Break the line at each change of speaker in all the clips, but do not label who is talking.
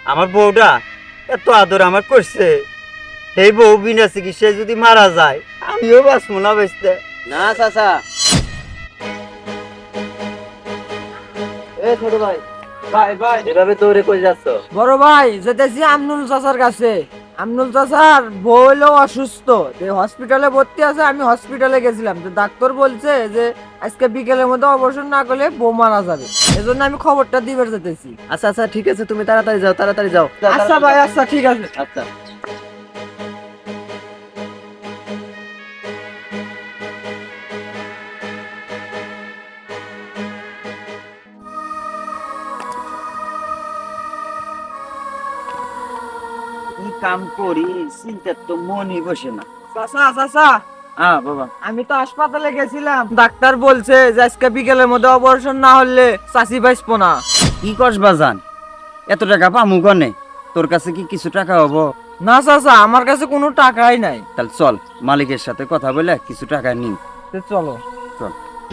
আমার বউটা এত আদর আমার করছে, এই বউ বিনা চিকিৎসায় যদি মারা যায় আমিও বাঁচবো না বেঁচতে।
না চাচা, এ ছোট ভাই, ভাই ভাই এভাবে দৌড়ে কই যাচ্ছ?
বড় ভাই যেতেছি আমনুল চাচার কাছে। আমনুল চাচার বউ হলো অসুস্থ, হসপিটালে ভর্তি আছে। আমি হসপিটালে গেছিলাম, তো ডাক্তার বলছে যে আজকে বিকেলের মধ্যে অপারেশন না করলে বউ মারা যাবে। এজন্য আমি খবরটা দিবে যেতেছি।
আচ্ছা আচ্ছা ঠিক আছে, তুমি তাড়াতাড়ি যাও, তাড়াতাড়ি যাও।
আচ্ছা ভাই, আচ্ছা ঠিক আছে।
আচ্ছা।
কি কাম করি চিন্তার তো মনই বসে না।
চাচা চাচা,
হ্যাঁ বাবা।
আমি তো হাসপাতালে গেছিলাম, ডাক্তার বলছে যে আজকে বিকেলের মধ্যে অপারেশন না হলে চাচি বাঁচবো না।
কি করস বাজান, এত টাকা পামু কনে? তোর কাছে কি কিছু টাকা হবো?
না চাচা, আমার কাছে কোনো টাকাই নাই।
তাহলে চল মালিকের সাথে কথা বলে কিছু টাকা নিই।
তো চলো।
চল।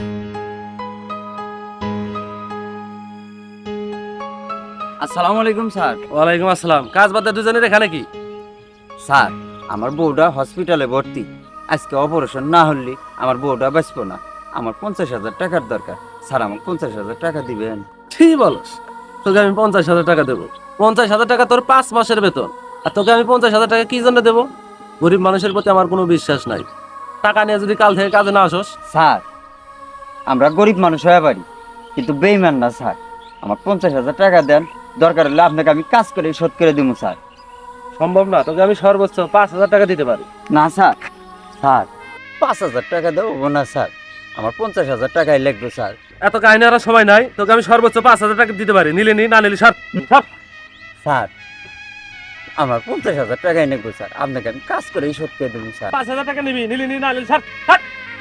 আসসালামু আলাইকুম স্যার।
ওয়ালাইকুম আসসালাম। কাজ বাদ দিয়ে দুজনের এখানে কি?
স্যার আমার বউটা হসপিটালে ভর্তি, আজকে অপারেশন না হলে আমার বউটা বাঁচবো না। আমার 50,000 টাকার দরকার। স্যার আমার 50,000 টাকা দিবেন?
ঠিক বলস, তোকে আমি 50,000 টাকা দেবো। 50,000 টাকা তোর 5 মাসের বেতন, আর তোকে আমি 50,000 টাকা কি জন্য দেবো? গরিব মানুষের প্রতি আমার কোনো বিশ্বাস নাই। টাকা নিয়ে যদি কাল থেকে কাজে না আসোস।
স্যার আমরা গরিব মানুষ হয়ে পারি, কিন্তু বেইমান না স্যার। আমার 50,000 টাকা দেন, দরকার হলে আপনাকে আমি কাজ করে শোধ করে দিব স্যার।
সম্ভব না, তোকে আমি সর্বোচ্চ 5,000 টাকা দিতে পারি।
না স্যার, স্যার 5,000 টাকা দেবো না স্যার, আমার 50,000 টাকাই লাগবে স্যার।
এত কাহিনী আর সময় নাই, তোকে আমি সর্বোচ্চ 5,000 টাকা দিতে পারি। নিলে নি, না নিলে সর সর।
স্যার আমার 50,000 টাকাই লাগবে স্যার, আপনাকে আমি কাজ করে শোধ করে দেবো স্যার।
5,000 টাকা নিবি, নিলে নি, না নিলে সর সর।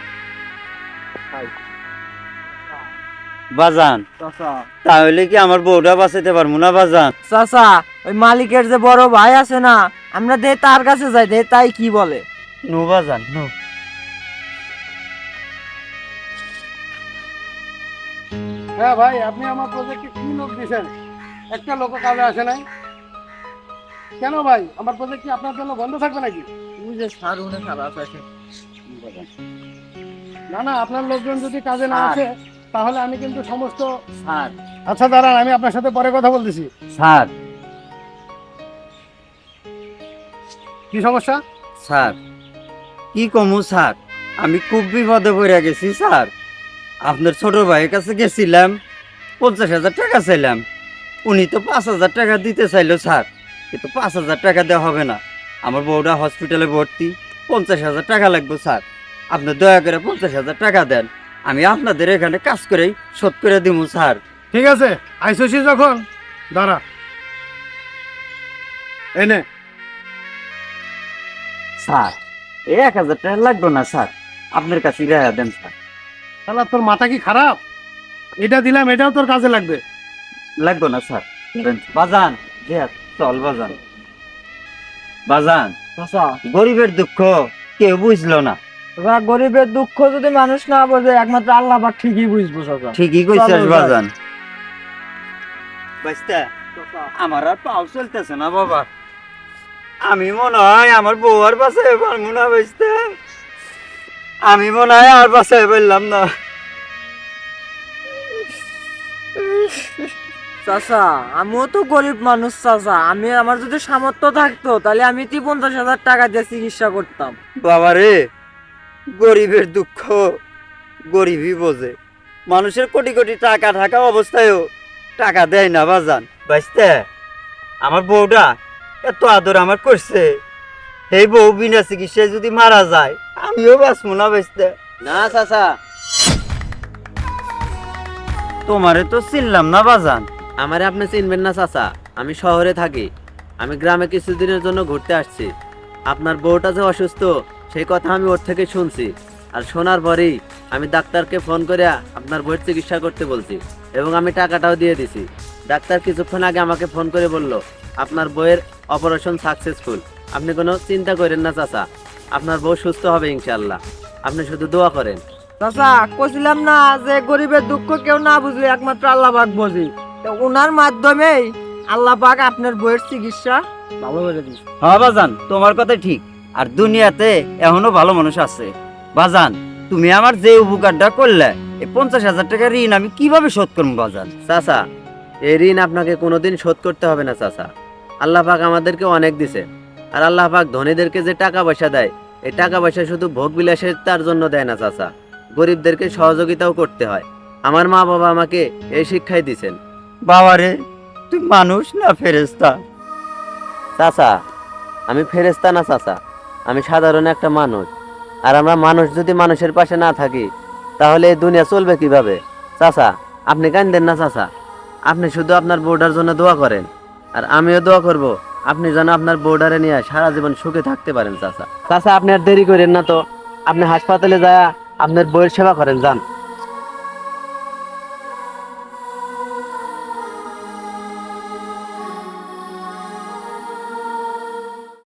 বাজান তাহলে কি আমার বউটা বাঁচাতে পারবো না বাজান?
চাচা, ওই মালিকের যে বড় ভাই আছে না, আমরা দে তার কাছে যাই, দে তাই কি বলে।
নো বাজান নো।
হ্যাঁ ভাই, আপনি আমার প্রজেক্টে কি লোক দিয়েছেন? একটা লোক কাজে আসে নাই কেন ভাই? আমার প্রজেক্ট কি আপনার জন্য বন্ধ থাকবে নাকি?
তুই যে সারুনে খারাপ আছে।
না না, আপনার লোকজন যদি কাজে না আসে তাহলে আমি কিন্তু সমস্ত...
স্যার
আচ্ছা দাঁড়ান, আমি আপনার সাথে পরে কথা বলতেছি।
স্যার
কি সমস্যা?
স্যার কি কমু স্যার, আমি খুব বিপদে পড়ে গেছি স্যার। আপনার ছোট ভাইয়ের কাছে গেছিলাম, 50,000 টাকা চাইলাম, উনি তো 5,000 টাকা দিতে চাইলো স্যার, কিন্তু 5,000 টাকা দেওয়া হবে না। আমার বউটা হসপিটালে ভর্তি, 50,000 টাকা লাগবে স্যার। আপনি দয়া করে 50,000 টাকা দেন, আমি আপনাদের এখানে কাজ করেই শোধ করে দিব স্যার।
ঠিক আছে, আইসোসি যখন দাঁড়া, এনে
স্যার এই 1,000 টাকা লাগবে না স্যার, আপনার কাছে রেহাই দেন স্যার।
তাহলে তোর মাথা কি খারাপ? এটা দিলাম, এটাও তোর কাজে লাগবে।
লাগবে না স্যার। বাজান চল বাজান। বাজান
চাচা,
গরিবের দুঃখ কেউ বুঝলো না।
ওরা গরিবের দুঃখ যদি মানুষ না বোঝে, একমাত্র আল্লাহ পাক ঠিকই বুঝবো চাচা।
ঠিকই কইছিস
চলো,
বাজান। বাইস্তা আমার আর পাও চলতেছে না বাবা, আমি মনে হয় আমার বউ আর বাঁচাই পারবো না বাইস্তা, আমি মনে হয় আর বাঁচাই পারলাম না।
চাচা আমিও তো গরিব মানুষ চাচা, আমি আমার যদি সামর্থ্য থাকতো তাহলে আমি 50,000 টাকা দিয়ে চিকিৎসা করতাম।
বাবা রে, গরিবের দুঃখ গরিবই বোঝে, মানুষের কোটি কোটি টাকা থাকা অবস্থায়ও টাকা দেয় না বাজান। বাইস্তে আমার বউটা এত আদর আমার করছে, এই বউ বিনা চিকিৎসায় যদি মারা যায় আমিও বাঁচবো না বাইস্তে।
না চাচা,
তোমারে তো চিনলাম না বাজান।
আমারে আপনি চিনবেন না চাচা, আমি শহরে থাকি। আমি গ্রামে কিছুদিনের জন্য ঘুরতে আসছি। আপনার বউটা যে অসুস্থ সেই কথা আমি ওর থেকে শুনছি, আর শোনার পরেই আমি ডাক্তারকে ফোন করে আপনার বউয়ের চিকিৎসা করতে বলছি, এবং আমি টাকাটাও দিয়ে দিছি। ডাক্তার কিছুক্ষণ আগে আমাকে ফোন করে বলল আপনার বউয়ের অপারেশন সাকসেসফুল। আপনি কোনো চিন্তা করেন না চাচা, আপনার বউ সুস্থ হবে ইনশাল্লাহ, আপনি শুধু দোয়া করেন।
চাচা কইছিলাম না যে গরিবের দুঃখ কেউ না বুঝলে একমাত্র আল্লাহ পাক বোঝে, তো ওনার মাধ্যমেই আল্লাহ পাক আপনার বইয়ের চিকিৎসা ভালো করে দিচ্ছে।
হ্যাঁ বাজান, তোমার কথা ঠিক। আর দুনিয়াতে এখনো ভালো মানুষ আছে। বাজান, তুমি আমার যে উপকারটা করলে, এই 50,000 টাকা ঋণ আমি কিভাবে শোধ করবো বাজান?
চাচা, এই ঋণ আপনাকে কোনোদিন শোধ করতে হবে না চাচা। আল্লাহ পাক আমাদেরকে অনেক দিছে। আর আল্লাহ পাক ধনীদেরকে যে টাকা পয়সা দেয়, এই টাকা পয়সা শুধু ভোগ বিলাসের তার জন্য দেয় না চাচা, গরিবদেরকে সহযোগিতাও করতে হয়। আমার মা বাবা আমাকে এই শিক্ষাই দিছেন।
বাবারে, তুই মানুষ না ফেরেশতা?
চাচা, আমি ফেরেশতা না চাচা, আমি সাধারণ একটা মানুষ। আর আমরা মানুষ যদি মানুষের পাশে না থাকি, তাহলে এই দুনিয়া চলবে কিভাবে? চাচা, আপনি কান্দেন না চাচা, আপনি শুধু আপনার বউটার জন্য দোয়া করেন। আর আমিও দোয়া করব আপনি যেন আপনার বউডারে নিয়ে সারা জীবন সুখে থাকতে পারেন চাচা। চাচা, আপনি আর দেরি করেন না তো, আপনি হাসপাতালে যায় আপনার বউয়ের সেবা করেন, যান।